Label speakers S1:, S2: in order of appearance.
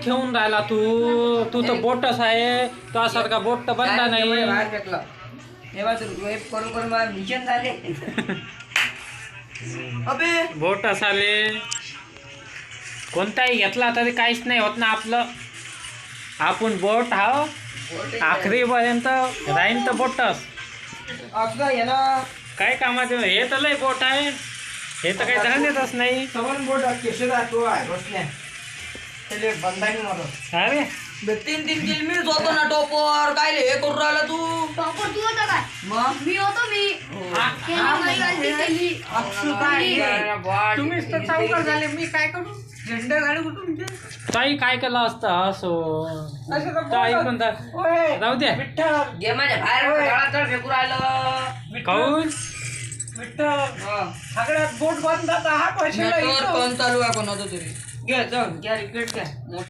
S1: ठेवून राहिला तू तू तर बोटच आहे तुझ्यासारखा बोट तर बनला नाही
S2: बाहेर फेकला हे बघ वेब करून करून मला मिशन झाले अबे
S1: बोटच आले कोणताही घेतला तरी काहीच नाही होत ना आपलं आपण बोट हा आखरीपर्यंत राहीन तर बोटच
S2: आपलं याला
S1: काय कामाचे हे तर लय बोट आहे हे तर काही धरणेतच नाही
S2: सवन बोट केशे राहतो आहे रोशन्या त्याले बंधानी मारत
S1: अरे
S2: 3 किल मीच होतो ना टॉपर काय हे करून राहिला तू
S3: टॉपर तू होता काय
S2: मग
S3: मी होतो मी केली माझी गलती केली
S2: अक्षु काय
S4: तुम्हीच तर चौकार झाले मी काय करू झेंडा गाडी कुठून घे
S1: ताई काय केलं असतं असो ताई पण राहू द्या
S4: विठ्ठल
S2: घे माझ्या बाहेर गाळात फेकू राहिलं
S1: काऊन
S4: विठ्ठल सगळ्यात बोट बंद आता हा पैसे
S2: नेटवर्क पण चालू आहे कोणाचं तरी घे चल घ्या रिकेट घ्या